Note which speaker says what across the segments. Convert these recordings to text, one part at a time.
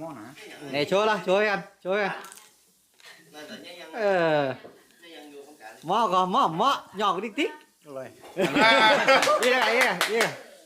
Speaker 1: นะ
Speaker 2: này chối là chối ăn mỏ còn mỏ nhỏ cái tích rồi đi đây đi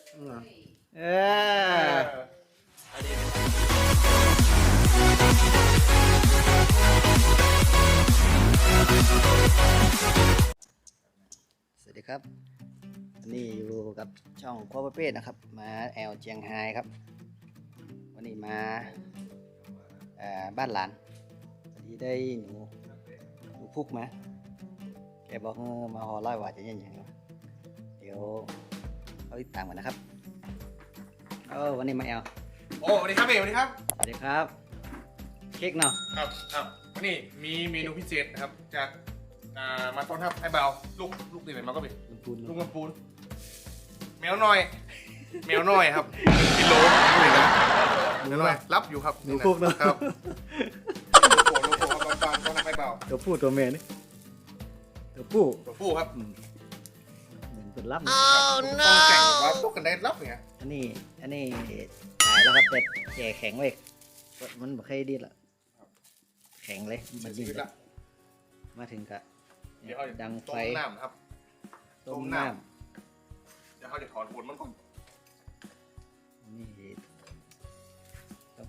Speaker 2: สวัสดีครับวันนี้อยู่กับช่องครัวประเภทนะครับมาแอลเจียงไฮ้ครับวันนี้มาบ้านหลานพอดีได้หนูพุกมาแกบอกมาห่อร้อยว่าจะยังไงเดี๋ยวเขาติดตามกันนะครับวันนี้มาแอล
Speaker 3: โอ้สวัสดีครับเอ๋สวัสดีครับ
Speaker 2: สวัสดีครับเค้กเนาะ
Speaker 3: ครับวันนี้มีเมนูพิเศษนะครับจากมาต้อนรับไอ้เบาลูกตีไหนมาก็เป็นลูกลำปูนแมวน้อยครับกิโลนี่นะแมวน้อยรับอยู่ครับ
Speaker 2: หนูพุกเนาะ
Speaker 3: ครับลูกโป่งต้อนรับไอ้เบา
Speaker 2: ตัวผู้ตัวเมียนี่ตัวผู้
Speaker 3: ครับ
Speaker 2: เหมือนเป็นรับ
Speaker 3: ต้องแข่งว่าพวกกันได้รับเนี่ย
Speaker 2: อันนี้ถ่ายแล้วครับเป็ดแก่แข็งไว้มันไม่เคยดีละแข็งเลยมันดีละมาถึงกะดังไฟ
Speaker 3: ต้มน้ำครับต้มน้ำเดี๋ยวเขาจะถอนขนมันก่อน
Speaker 2: นี่ต้อง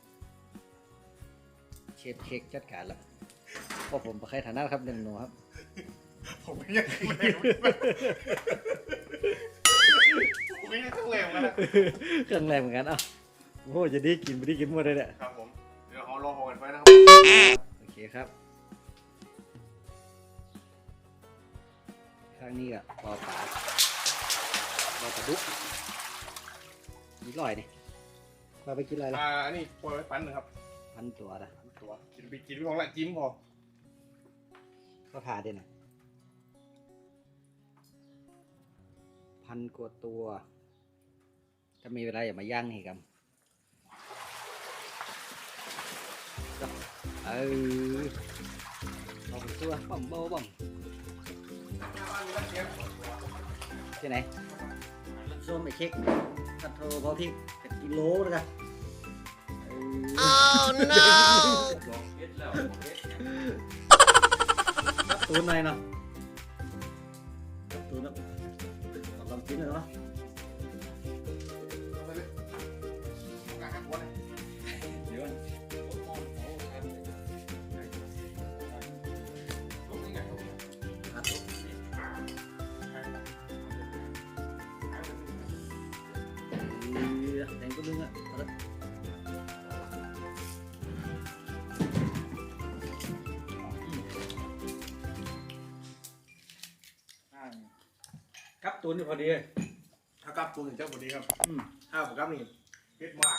Speaker 2: เชฟเค้กจัดการแล้วเพราะผมไม่เคยทานนะครับเรื่องหนูครับ
Speaker 3: ผมไม่ยังเค
Speaker 2: รื่องแรงเหมือนกันโอ้จะได้กินไม่ได้กินหมดเลยเนี่ย
Speaker 3: ครับผมเดี๋ยวเรารอหอกันไปนะครับ
Speaker 2: โอเคครับข้างนี้ก็ปอปลาดุกนี่ลอยนี่ปลาไปกินอะไรล่ะ
Speaker 3: อันนี้ปล่อยไว้ปั้นนะครับ
Speaker 2: พันตัวนะ
Speaker 3: กินไปของละจิ้มพอ
Speaker 2: ก็ผ่าได้นะพันกว่าตัวถ้ามีเวลาอย่ามาย่างนี่ครับเอาไปตัวบ่มที่ไหนส้มไอ้เค้กกัดโทรพอพริกกัดกิโลเลยกันรับตูนหน่อยเนาะรับตูนแล้วลองกินเลยเนาะแดงก็ดึงอ่ะครับตูนนี่พอดี
Speaker 3: ถ้ากับตูนถึงเจ้าพอดีครับถ้าผมกับนี่เผ็ดมาก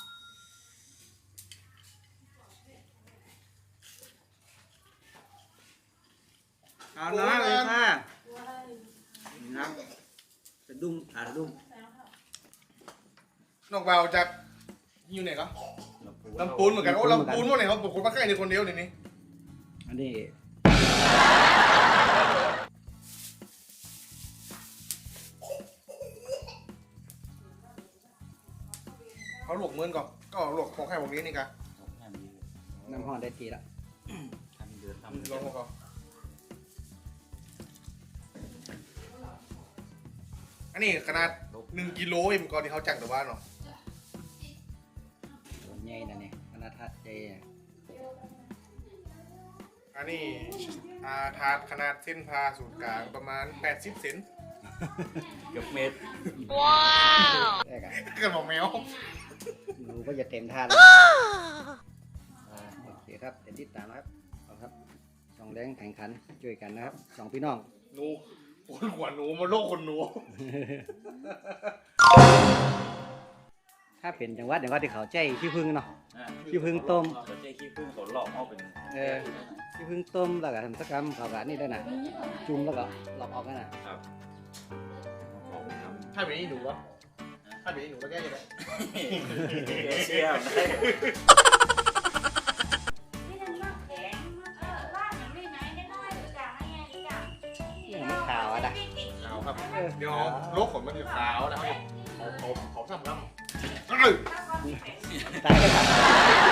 Speaker 2: เอาน้ำเลยค่ะน้ำจะดุ้งจะดุ้ง
Speaker 3: นอกเบาจากอยู่ไหนครับลำปูนเหมือนกันโอ้ลำปูนว่าไหนเขาบอกคนมาใกล้ในคนเดียวนี่
Speaker 2: อันนี้
Speaker 3: เขาหลวกเมือนก่อนก็หลวกของแค่พวกนี้นี่กัน
Speaker 2: น้ำห่อได้ทีละ
Speaker 3: ลองของเขาอันนี้ขนาด1 กิโลเองก่อนที่เขาจังแต่ว่าเนาะ
Speaker 2: ตัวใหญ่นะเนี่ยขนาดทัดใหญ่
Speaker 3: อันนี้ถาดขนาดเส้นผ่าศูนย์กลางประมาณ80 เซน
Speaker 2: เกือบเมตรว้าว
Speaker 3: เกิดบอกแมว
Speaker 2: ดูก็จะเต็มท่าแล้วโอเคครับเต็มที่ตามนะครับเอาครับช่องแรงแข่งขันช่วยกันนะครับสองพี่น้อง
Speaker 3: หนูหัวหนูมาโลกคนหนู
Speaker 2: ถ้าเป็นจังหวัดที่เขาใจขี้ผึ้งเนาะขี้ผึ้งต้ม
Speaker 1: เขาใจขี้ผึ้งเขาหลอกเอาเป็น
Speaker 2: ขี้ผึ้งต้มแล้วก็ทำสักกรรมเขาแบบนี้ได้นะจุ่มแล้วก็หลอกออกกันนะครับ
Speaker 3: ถ้าเป็นนี่หนูวะถ้าเป็นนี่หนูแล้วแก้ยังไง
Speaker 1: เชี่ยวได้
Speaker 2: ขาวอ่ะ
Speaker 3: ขาวครับเดี๋ยวโลกขนมันจะขาวนะครับเขาซ้ำครับ
Speaker 2: ตาย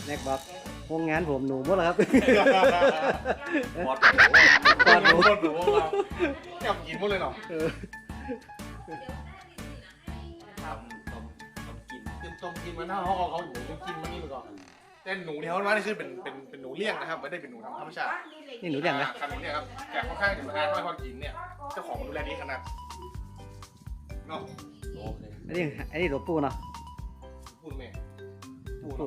Speaker 2: แม็กบอกโรงงานผมหนูหมดแล้วครับ
Speaker 1: หมด
Speaker 2: ปอดหนู
Speaker 3: โคตรหนูเราจับกินหมดเลยเนาะ
Speaker 1: ทำกิน
Speaker 3: กินต้มกินมันนะเขาหนูกินมันนี่มาก่อนแต่หนูที่เขาว่านี่คือเป็นหนูเลี้ยงนะครับไม่ได้เป็นหนูธรรมชาติ
Speaker 2: นี่หนูเลี้ยงนะ
Speaker 3: ขนมเนี่ยครับแต่ค่อนข้างจะสะอาดมากพอกินเนี่ยเจ้าของดูแลดีขนาดเนาะ
Speaker 1: โอเค
Speaker 2: อันนี้หลวงปู่เนาะ
Speaker 3: พูดแม่
Speaker 2: หลวงปู่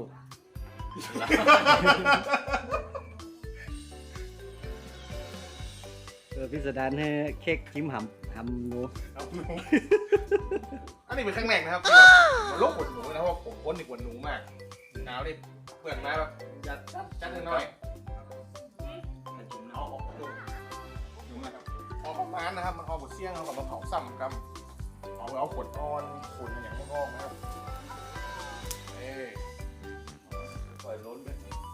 Speaker 2: พิสดารให้เค้กจิ้มหำหนู
Speaker 3: ครับหนูอันนี้เป็นครั้งแรกนะครับมันโรคปวดหนูนะเพราะผมพ้นในปวดหนูมากหนาวนี่เปลือกมาแบบจัดหน่อย
Speaker 1: มันกิน
Speaker 3: เอาออกดูหนูนะครับออกประมาณนะครับมันออกหมดเสี่ยงเอากับมาเผาซ้ำครับเอาขวดอ่อนขวดอย่างนี้งอกนะครับ
Speaker 1: ปล่อยล้นไป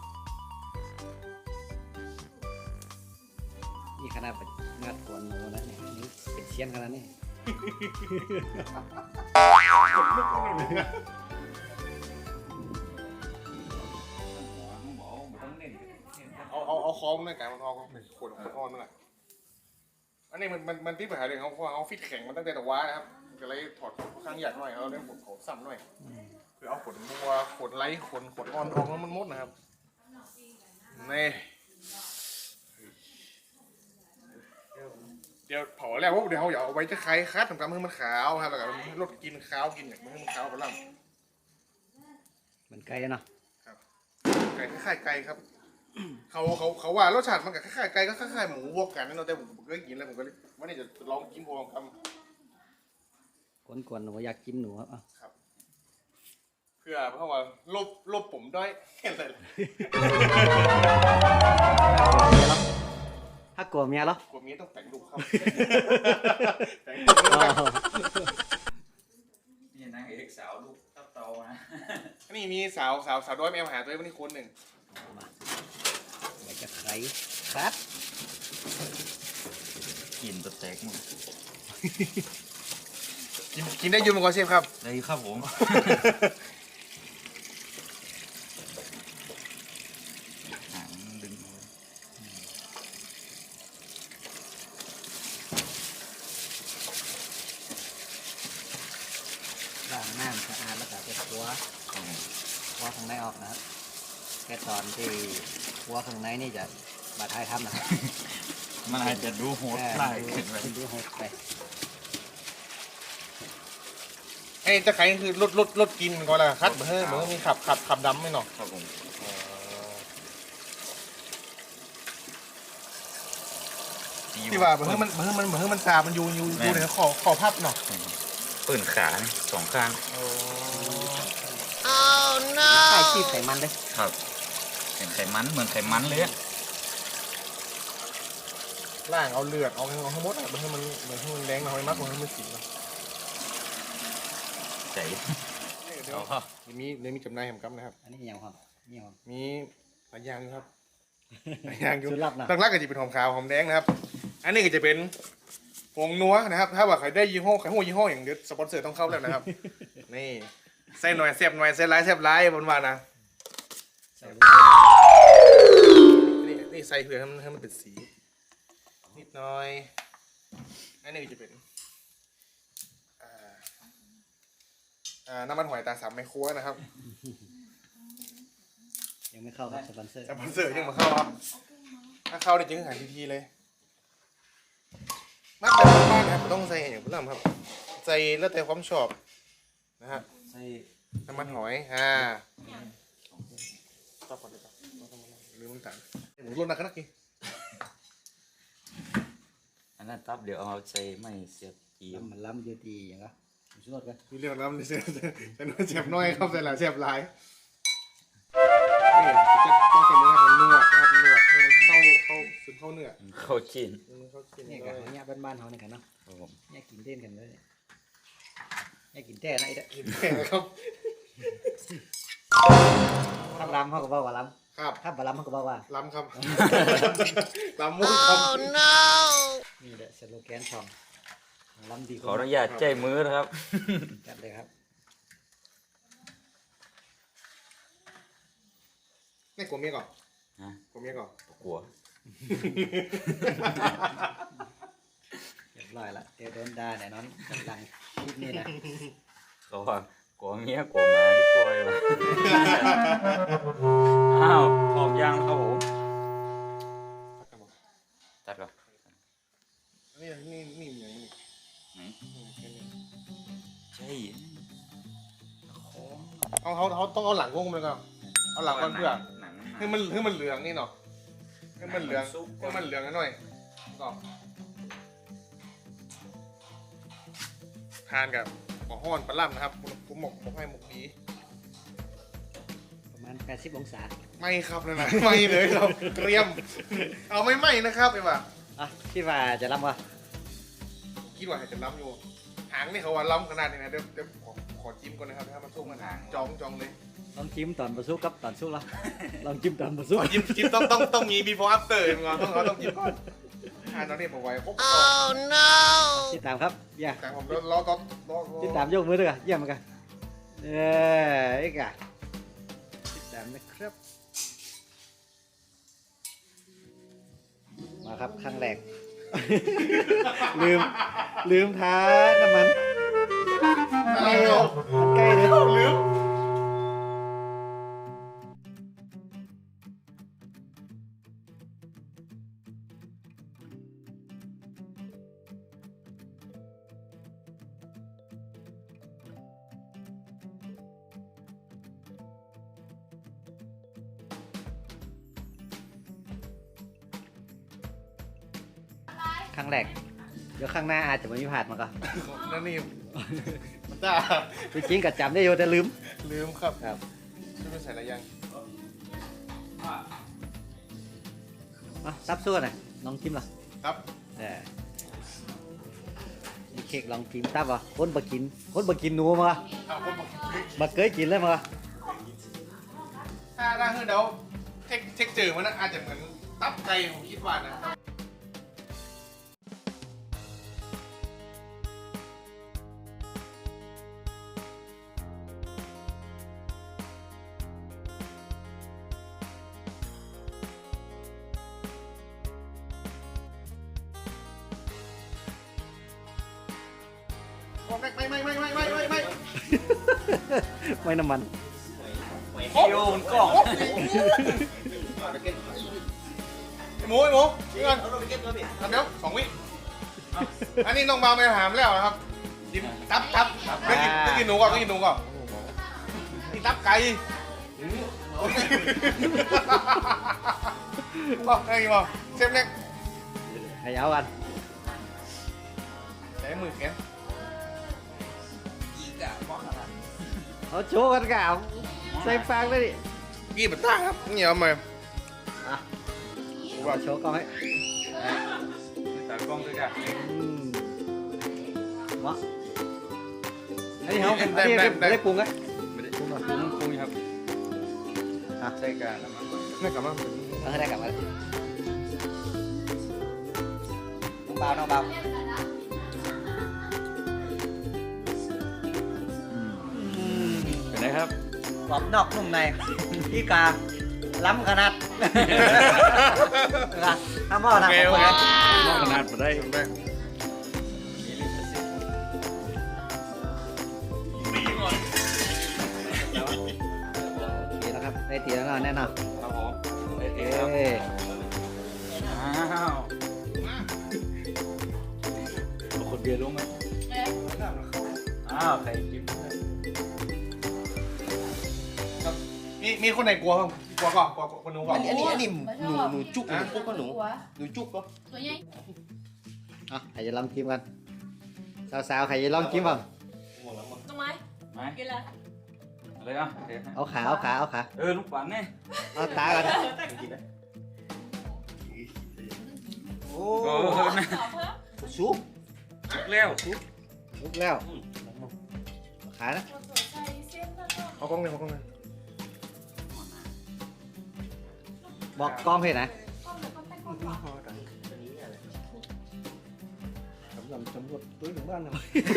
Speaker 2: นี่ขนาดเป็นงัดกวนหนูนะเนี่ยนี่เป็นเชียนขนาดนี้
Speaker 3: เอาคอมในการมันออกเป็นขวดอ่อนนั่นแหละอันนี้มันที่ปัญหาเรื่องเขาฟิตแข็งมันตั้งแต่ตะวันนะครับก็เลยถอดข้างหยาดหน่อยเอาเรื่องขวดเขาซ้ำหน่อยคือเอาขวดบัวขวดไลท์ขวดอ่อนออกแล้วมันมดนะครับนี่เดี๋ยวเผาแล้วว่าเดี๋ยวเขาอย่าเอาไว้จะคล้ายคัดทำการให้มันขาวครับแล้วก็ลดกินขาวกินอย่างให้มันขาวไปแล้ว
Speaker 2: มันไกลเนาะ
Speaker 3: ไก่คล้ายๆไก่ครับ เขาว่ารสชาติมันกับคล้ายๆไก่ก็คล้ายๆหมูพวกกันนั่นเองแต่ผมก็กินแล้วผมก็เลยว่านี่จะลองกินพวกกัน
Speaker 2: กวนหนูอยากกินหนูครับ
Speaker 3: ครับเพื่อเพราะว่าลบผมด้อยแค่ไหน
Speaker 2: ถ้ากลัวเมียเหรอก
Speaker 3: ลัวเมียต้องแต่งลูกครับแต่ง
Speaker 1: นี่นางเอกสาวลูกทับเตานะ
Speaker 3: นี่มีสาวด้อยแมวหาตัววันนี้คนหนึ่ง
Speaker 2: อยากจะไขครับ
Speaker 1: กินตัวแตกหมด
Speaker 3: กินได้ยืนมังกรเชฟครับ
Speaker 1: เลยครับผมหางดึง
Speaker 2: ล้างน้ำสะอาดแล้วก็ไปครัวข้างในออกนะครับแค่ตอนที่ครัวข้างในนี่จะบาดท้ายทำนะครับ
Speaker 1: มันอาจจะดูโหดร้ายขึ้นไป
Speaker 2: ดูโหดไป
Speaker 3: ไอ้จะใครคือรถกินก่อนละคัดเหมือนมีขับดำไหมเนาะ
Speaker 1: ครับผม
Speaker 3: ที่ว่าเหมือนมันซามันอยู่ในคอพับเนาะ
Speaker 1: ปืนขาสองข้าง
Speaker 2: ไข่ชีพไขมันเลย
Speaker 1: ครับเห็นไขมันเหมือนไขมันเลยอะ
Speaker 3: ล่างเอาเลือดเอาทั้งหมดเหมือนให้มันแดงหน่อยมากกว่าให้มันสีเนาะ
Speaker 1: ใจ
Speaker 3: เดี๋ยวมีจำหน่ายแหมกัมนะครับ
Speaker 2: อันนี้ยังครับนี่ครับ
Speaker 3: มีหลายอย่างอยู่ครับหลายอย่างอยู่
Speaker 2: สุดลับนะ
Speaker 3: ตั้งรักก็จะเป็นหอมขาวหอมแดงนะครับ อันนี้ก็จะเป็นผงนัวนะครับ ถ้าว่าใครได้ยี่ห้อยี่ห้ออย่างเดียวสปอนเซอร์ต้องเข้าแล้วนะครับ นี่ใส่หน่อยแซ่บหน่อยใส่ร้ายแซ่บร้ายบนวานะนี่ใส่เพื่อให้มันเป็นสีนิดหน่อย อันนี้ก็จะเป็นน้ำมันหอยตาสามไมโครนะครับ
Speaker 2: ยังไม่เข้าครับสปอนเซอร์
Speaker 3: สปอนเซอร์ยังมาเข้าครับถ้าเข้าได้จริงหายทีเลยมักแบบบ้านครับต้องใส่อย่างพุ่นครับใส่แล้วแต่ความชอบนะฮะ
Speaker 1: ใส่
Speaker 3: น้ำมันหอยต่อก่อนเลยครับลืมน้ำตาลหมูรสนะขนาดนี้
Speaker 1: อันนั้นตับเดี๋ยวเอาใส่ไม่เสียบจีบ
Speaker 2: มันล้ำเยอะดีอย่างก็สุดกัน
Speaker 3: มีเรื่องน้ำในเส้นแต่น้อยเจ็บน้อยครับแต่ละเจ็บหลายนี่จะต้องเป็นเนื้อของนวดนะครับนวดให้มันซึมเข้าเนื้อ
Speaker 1: เข้าชิ้น
Speaker 3: เข้ากิน
Speaker 2: นี่
Speaker 3: เล
Speaker 2: กัน
Speaker 3: ย
Speaker 2: เนี่ยบ้านๆเขาเนี่ยกันเนาะ
Speaker 1: ครับผม
Speaker 2: เนี่ยกินเต้นกันเลยเนี่ยกินแต่นะไอ้เด้อ
Speaker 3: กินแค่นะครับ
Speaker 2: ถ้าล้ำเขาก็บอกว่าล้
Speaker 3: ครับ
Speaker 2: ำถ้าบ่ล้ำเขาก็บอกว่า
Speaker 3: ล้ำครับล้ำมุกครับ
Speaker 2: นี่แหละสโลแกนช่องล้ำดี
Speaker 1: ขออนุญาตใจมือนะครับ
Speaker 2: จัดเลยครับ
Speaker 3: นี่กลัวเมียก่อน
Speaker 1: ฮะ
Speaker 3: กลัวเมียก่อน
Speaker 1: กลัว
Speaker 2: เรียบร้อยละเดี๋ยวโดนด่าแน่นอนกำลังคลิปนี้นะ
Speaker 1: เขาว่ากลัวเมียกลัวหมาที่กลัวไอ้วะ อ้าวพร้อมยังครับผมตัดก่อน
Speaker 3: นี่อย่างนี้
Speaker 1: ไหน ใช่ของ
Speaker 3: เขาต้องเอาหลังวงมันก่อนเอาหลังก่อนเพื่อ
Speaker 1: หนัง
Speaker 3: ให้มันเหลืองนี่เนาะให้มันเหลืองหน่อยก็ทานกับหมอห้อนปลาล่ำนะครับผมบอกให้หมกดี
Speaker 2: ประมาณ80 องศา
Speaker 3: ไม่ครับเลยนะ ไม่เลยครับเกรียม เอาไม่ไหมนะครับไอ้บ่า
Speaker 2: อ่ะคิดว่าจะรับวะ
Speaker 3: คิดว่าจะล้ำอยู่หางนี่เขาว่าล้ำขนาดนี้นะเดี๋ยวขอจิ้มก่อนนะครับถ้ามันสู้กันหางจองเลย
Speaker 2: ลองจิ้มตอนประซุกกับตอนซุกแล้วลองจิ้มตอนประซุก
Speaker 3: จิ้มต้องมี before after มึงต้องจิ้มก่อนตอนนี้ผมไว้โอ้ no
Speaker 2: ติดตามครับอย่า
Speaker 3: แต่ผมรอ
Speaker 2: ติดตามยกมือด้วยกันเยี่ยมเหมือนกันไอ้กะติดตามนะครับมาครับครั้งแรก ลืมท้าน้ำมัน
Speaker 3: อะไรเนาะ
Speaker 2: มันใกล้เลย
Speaker 3: ลืม
Speaker 2: ครั้งแรกเดี๋ยวข้างหน้าอาจจะไม่มีผ่านมาก็
Speaker 3: นั่นนี่มันจ้า
Speaker 2: จริงๆก็จำได้อยู่แต่ลืม
Speaker 3: ลืมครับ
Speaker 2: ครับ
Speaker 3: จะไปใส่อะไรยัง
Speaker 2: ซับสู้หน่อยลองจิ้มเหรอ
Speaker 3: ครับ
Speaker 2: นี่เค้กลองจิ้มตับเหรอคนบกินหนูมา
Speaker 3: คนบอก
Speaker 2: บัเคยกินเลยมา
Speaker 3: ถ้าคือเดี๋ยวเทคเจอมันอาจจะเหมือนตับไก่ผมคิดว่านะไม่
Speaker 2: ไม่น้ำมัน
Speaker 3: โอ้โหมันกล่องไอ้หมูนี่ก่อนเดี๋ยว2 วิอันนี้น้องบาวไปหามแล้วนะครับกินตับไม่กินหนูก่อนนี่ตับไก่บอกได้กี่บอกเซฟเล็ก
Speaker 2: ให้เอากัน
Speaker 3: ใช้มือแขน
Speaker 2: เอาโชว์กันกับใส่ฟางเลยดิ
Speaker 3: กี่บัตต้าครับเหนียวมา
Speaker 2: อ่ะว่าโชว์กล้องให้
Speaker 1: ตัดกล้องด้วยกัน
Speaker 2: วะอันนี้เขาไม่ได้ปรุงไง
Speaker 1: ไม่ได้ปรุงครับใช้การน้ำมัน
Speaker 3: ไม่กลับมา
Speaker 2: เอาให้ได้กลับมาน้องเบา
Speaker 1: เป็นไงครับ
Speaker 2: กรอบนอกนุ่มในพี่กาล้ำขนาดทำหม้อนะ
Speaker 1: นอกขนาดมาได้
Speaker 2: ทีแล้วครับได้ทีแล้วแน่นอน
Speaker 1: ครับผมโอเค
Speaker 2: เอ้
Speaker 1: ครับอ้าวคนเบียร์ลงไหมอ้าวใครกิน
Speaker 3: มีคนไหนกลัวบ้างกลัวก่อนคนนู้นก่อน
Speaker 4: อันนี้หนูจุกหนูปุ๊กก็หนูจุกก็
Speaker 5: ตัวใหญ่
Speaker 2: อ่ะใครจะลองกินกันสาวๆใครจะลองกินบ้าง
Speaker 5: ต้นไม้
Speaker 1: ไหม
Speaker 5: กินละ
Speaker 1: อะไรอ่ะ
Speaker 2: เอาขา
Speaker 1: ลูกปันเนี่ย
Speaker 2: เอาตาก่อน
Speaker 4: โอ้
Speaker 1: โอ้โหนะ
Speaker 5: ต่อเพิ่ม
Speaker 4: ซุป
Speaker 1: แล้ว
Speaker 2: ลุกแล้วขานะ
Speaker 5: ตัวใส่เส้นแล้วก็
Speaker 3: เอากล้องเลย
Speaker 2: บอกกล้องเห็นนะ
Speaker 5: ข้าวเหนียวก็แป้งข้าวหวาน
Speaker 4: สำรวจตัวถึงบ้านนะ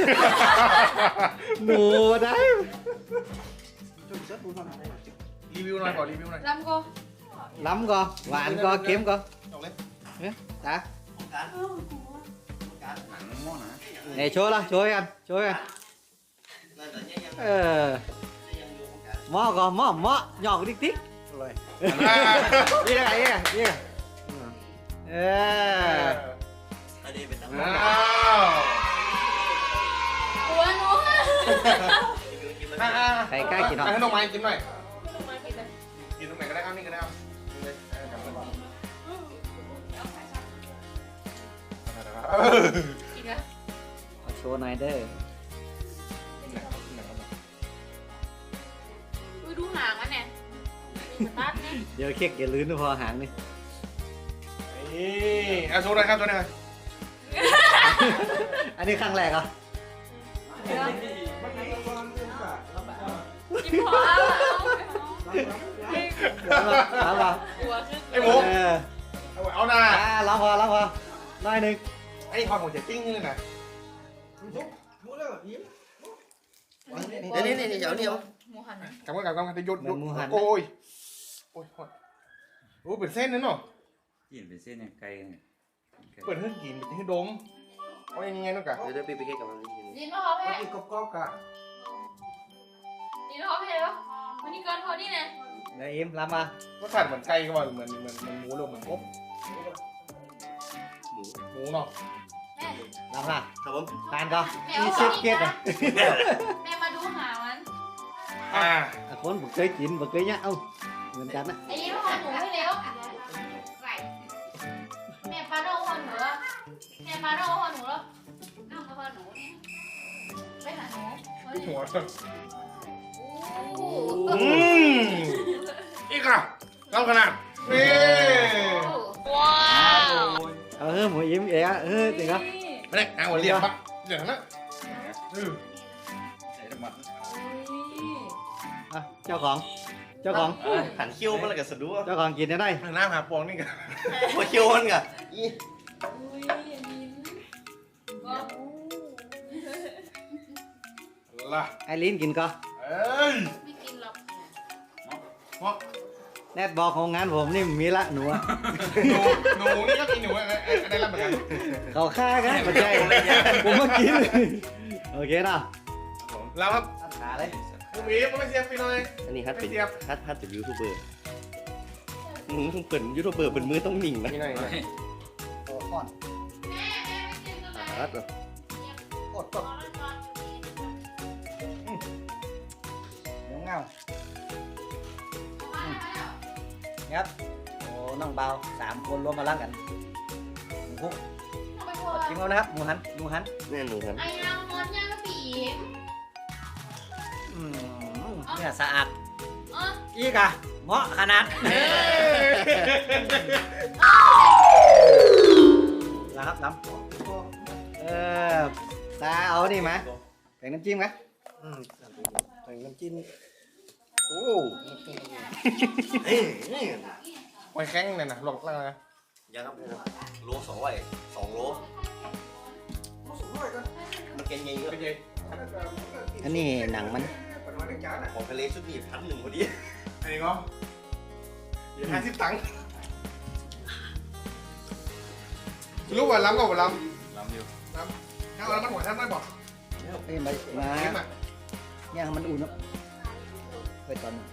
Speaker 2: หมูได้
Speaker 3: รีวิวหน่อยขอรีวิวหน่อย
Speaker 5: ลำก็
Speaker 2: ล้ำก็หวานก็เค็มก็
Speaker 3: จบเลย
Speaker 2: เนี่ยตา
Speaker 4: การการหนังม้อนะ
Speaker 2: เนี่ยโชว์ละโชว์กันโชว์กัน
Speaker 4: นั่นแต่เนี่ยยัง
Speaker 2: เออ
Speaker 4: ยังอยู่ของการ
Speaker 2: หม้อก็หม้อหยอกติ๊กติ๊กเลยนี่ไงนี่ไงเออ
Speaker 4: อันนี้เป็นน้ำ
Speaker 3: ว้
Speaker 4: มัน
Speaker 3: าว
Speaker 5: หัวหนู
Speaker 2: ใครกล้ากินหรอ
Speaker 3: ให้น้องไม้กินหน่อย
Speaker 5: ลงมากินเลย
Speaker 3: กินตรงไหนก็ได้ครับนี่ก็ได้ครับกินเลยกลับมา
Speaker 5: กินนะ
Speaker 2: ขอโชว์หน่อยเด้อ
Speaker 5: ดูหางมันเนี่ยมีสตาร์ทเนี่ย
Speaker 2: เดี๋ยวเค้กอย่าลืมนะพอหางนี่
Speaker 3: นี่เอาโชว์หน่อยครับโชว์หน่อยครับ
Speaker 2: อันนี้ครั้งแรกเหรอ
Speaker 5: กินพอเอา
Speaker 2: ล้ำป่ะ
Speaker 5: หัวขึ้น
Speaker 3: ไอ้หมู
Speaker 2: เออ
Speaker 3: เอาหน้า
Speaker 2: ล้ำพอหน่อยหนึ่ง
Speaker 3: ไอ้ทอนหัวจะติ้งนี่เลยนะ
Speaker 4: นี่เดี๋ยวเดียว
Speaker 5: หมูหัน
Speaker 3: กำกันจะหยุดโอ้ยโอ้ยโอ้เป็นเส้นนั่นเนาะ
Speaker 1: กินเป็นเส้นเนี่ยไก่เนี่ย
Speaker 3: เปิดให้กินเป็นให้ดมเอายังไงน้องกะ
Speaker 4: เดี๋ยวไปเก็บกับมัน
Speaker 5: ดินมาเขาแพ้
Speaker 3: กินกรอบๆกะ
Speaker 5: ดินมาเขาแพ้แล้ววันนี้ก่อนเขานี่นะ
Speaker 2: เดี๋ยวอิ่มล้ำมา
Speaker 3: รสชาติเหมือนไก่ก็ว่าเหมือนหมูหรือเหมือนกบหมูเนาะ
Speaker 5: แม่
Speaker 2: ล้ำมา
Speaker 4: ครับผม
Speaker 2: ทานก็
Speaker 5: แม่
Speaker 2: มี
Speaker 5: เอา
Speaker 2: เชฟเก็ตอ่ะ
Speaker 5: แม่มาดูหางมัน
Speaker 2: คนบ่เคยกินบ่เคยเนี่ยเอ้าเหมือนกันนะ
Speaker 5: ไอ้ยี่ห้อหนูให้เร็วแม่ปลาโดหัวหนูแล้วแม่ปลาโดหัวหนูแล้วน้ำกระเพาะหนูเนี่ยไปหาหนู
Speaker 3: หัว
Speaker 5: โอ้
Speaker 3: อีกอ่ะเล่าขนาดนี่
Speaker 5: ว้าว
Speaker 2: เอาเฮ้ยหมูอิ่มเอ๋เฮ้ยจริงเหรอ
Speaker 3: ไม่ได้เอาหัวเรียบปะเดี๋ยวนะ
Speaker 1: ใส่น้ำมัน
Speaker 2: อ่ะเจ้าของ
Speaker 4: หันเขี้ยวมันอะไรกับสะดุ้ง
Speaker 2: เจ้าของกินได้
Speaker 3: หน้าหาปองนี่กัน
Speaker 4: หัวเขี้ยวมันกับอี
Speaker 5: อุ้ยมิ้นก็
Speaker 3: ล่ะ
Speaker 2: ไอรินกินก็
Speaker 3: เอ้ย
Speaker 5: ไม่กินหรอก
Speaker 3: เพราะ
Speaker 2: แนทบอกของงานผมนี่มีละหนูอะ
Speaker 3: หนูนี่ก็กินหนูอะไรรับเหมือนกัน
Speaker 2: เขาฆ่ากันปัจจัยผมมากินโอเคเนาะ
Speaker 3: แล้วครับ
Speaker 2: ขาเลย
Speaker 3: ผมอีฟไม่เสียฟรีเลย
Speaker 4: อันนี้ฮัทเป็นฮัทเป็นยูทูบเบอร์มึงต้องเปิดยูทูบเบอร์เป็นมือต้องนิ่งนะ
Speaker 3: นี่ไง
Speaker 2: โอ้ก่อน
Speaker 5: แม่ไม่กินก็ได้
Speaker 4: ฮัทเหรอก
Speaker 2: ดเดี๋ยวเงาครับโอ้น้องเบา3 คนรวมมาลังกันหมูพุกกินเอานะครับหมูหัน
Speaker 4: แน่หนูครับ
Speaker 5: ไอ้นางมดย่างผี
Speaker 2: เนี่ยสะอาด
Speaker 5: อ๋อ
Speaker 2: อีกอะเหมาะขนาดแล้วครับน้ำตาเอานี่ไหมแบ่งน้ำจิ้มไหม
Speaker 4: ใส่น้ำจิ้มโอ้เฮ้ยนี่
Speaker 3: หอยแข้งเนี่ยนะหลอกล่างนะ
Speaker 4: ยังครับโล2 โลมันแกงยังเยอะ
Speaker 3: เป็นไง
Speaker 2: อันนี้หนังมัน
Speaker 4: ของทะเลชุดนี้1,100พอดี
Speaker 3: อันนี้ก็เดี๋ยว50 ตังค์รู้ว่าล้ำก็ว่าล้ำ
Speaker 1: ล้ำอยู่
Speaker 3: ถ้าเอาแล้วมันหัวแทบไม่บอก
Speaker 2: เอ้ยมา
Speaker 3: เก็บอ่ะ
Speaker 2: ย่างให้มันอุ่นเนาะไปตอนนึง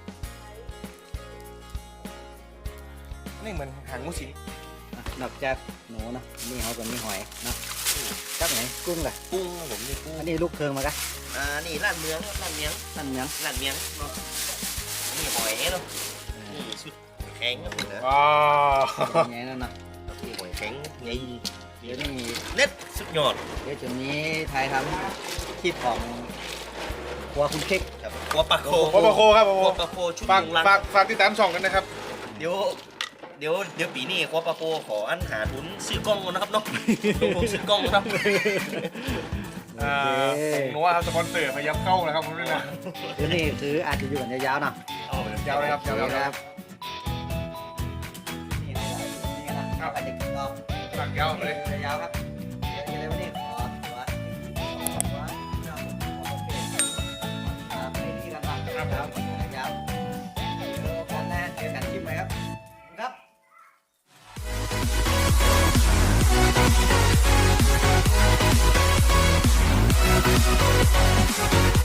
Speaker 3: นี่เหมือนหางงูสิง
Speaker 2: อ่ะนอกจากหนูเนาะมีเขากับมีหอยเนาะจับไหนกุ้งกะ
Speaker 4: กุ้งครับผมนี่กุ้ง
Speaker 2: อันนี้ลูกเคืองมากะ
Speaker 4: นี่ร้านเมืองร้านเมียง
Speaker 2: นั่นยัง
Speaker 4: ร้านเมียงเนาะนี่หอยเนาะนี่ชุดแข็งครับผมนะ
Speaker 3: อ๋อ
Speaker 2: ไงนั่นเนาะ
Speaker 4: นี่หอยแข็งไง
Speaker 2: เดี๋ยวนี้
Speaker 4: เน็ตสุดยอด
Speaker 2: เดี๋ยวจุดนี้ไทยทำคลิปของครัวคุณเค้ก
Speaker 4: ครับหัวปลาโค
Speaker 3: โปโคครับโป
Speaker 4: หัวปลาโคชุด
Speaker 3: ฝาก
Speaker 4: ลุงรัง
Speaker 3: ฝากติดตามช่องกันนะครับ
Speaker 4: เดี๋ยวปีนี้หัวปลาโคขออันหาทุนซื้อกล้องก่อนนะครับเนาะลงทุนซื้อกล้องนะครับ
Speaker 3: หนูว่าครับสปอนเซอร์พยายามเข้านะครับผมด้วยนะ
Speaker 2: เดี๋ยวนี้คืออาจจะอยู่กันยาวๆเนาะ
Speaker 3: ยาวเลยครับยาวเลยครับ
Speaker 2: นี่นะครับอาจจะกินต่อ
Speaker 3: ฝากยาวเลย
Speaker 2: ยาวครับเดี๋ยวอะไรวะนี่ขอตัวไปดีกันครับ